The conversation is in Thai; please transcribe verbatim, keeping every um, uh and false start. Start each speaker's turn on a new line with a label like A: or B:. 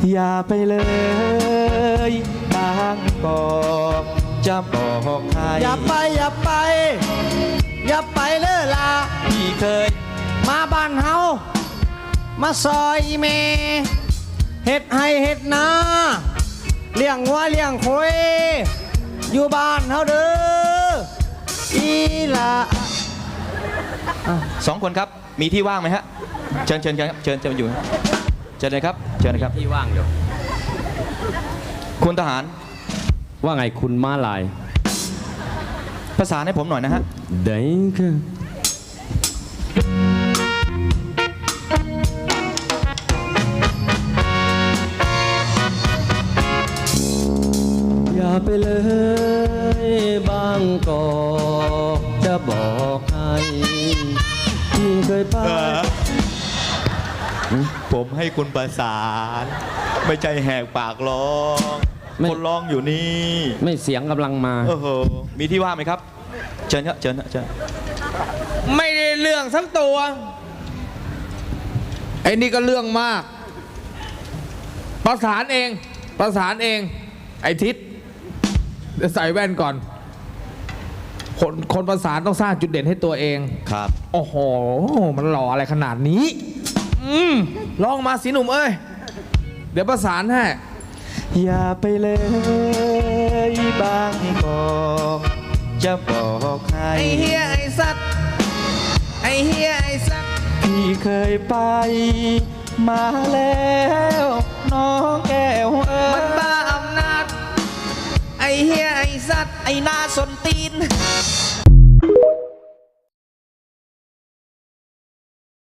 A: อย่าไปเลยบางกอกจะบอกใคร
B: อย่าไปอย่าไปอย่าไปเลยล่ะ
A: พี่เคย
B: มาบ้านเฮามาซอยเมเฮ็ดให้เฮ็ดนาเลี้ยงวัวเลี้ยงควายอยู่บ้านเฮาเด้ออีล่ะ
A: สองคนครับมีที่ว่างไหมฮะเชิญเชิญครับเชิญเชิญอยู่เชิญเลยครับเชิญเลยครับ
C: ที่ว่างอยู่
A: คุณทหาร
C: ว่าไงคุณม้าลาย
A: ภาษาให้ผมหน่อยนะฮะ
C: ได้ค่ะอย่าไปเลยบางกอกจะบอกให้ที่เคยไป
A: ผมให้คุณประสานไม่ใจแหกปากร้องคนร้องอยู่นี่
C: ไม่เสียงกำลังมา
A: โอ้โหมีที่ว่างไหมครับเชิญครับเชิญเชิญ
B: ไม่ได้เรื่องทั้งตัวไอ้นี่ก็เรื่องมากประสานเองประสานเองไอ้ทิศใส่แว่นก่อนคนคนประสานต้องสร้างจุดเด่นให้ตัวเอง
A: ครับ
B: โอ้โหมันหล่ออะไรขนาดนี้อืมลองมาสิหนุ่มเอ้ยเดี๋ยวประสานให้
A: อย่าไปเลยบางกอกจะบอกใคร
B: ไอ้เฮียไอ้สัตว์ไอ้เฮียไอ้สัตว์
A: พี่เคยไปมาแล้วน้องแก้วเอ๋ย
B: มันบ้าอำนาจไอ้เฮียไอ้สัตว์ไอ้หน้าสนตีน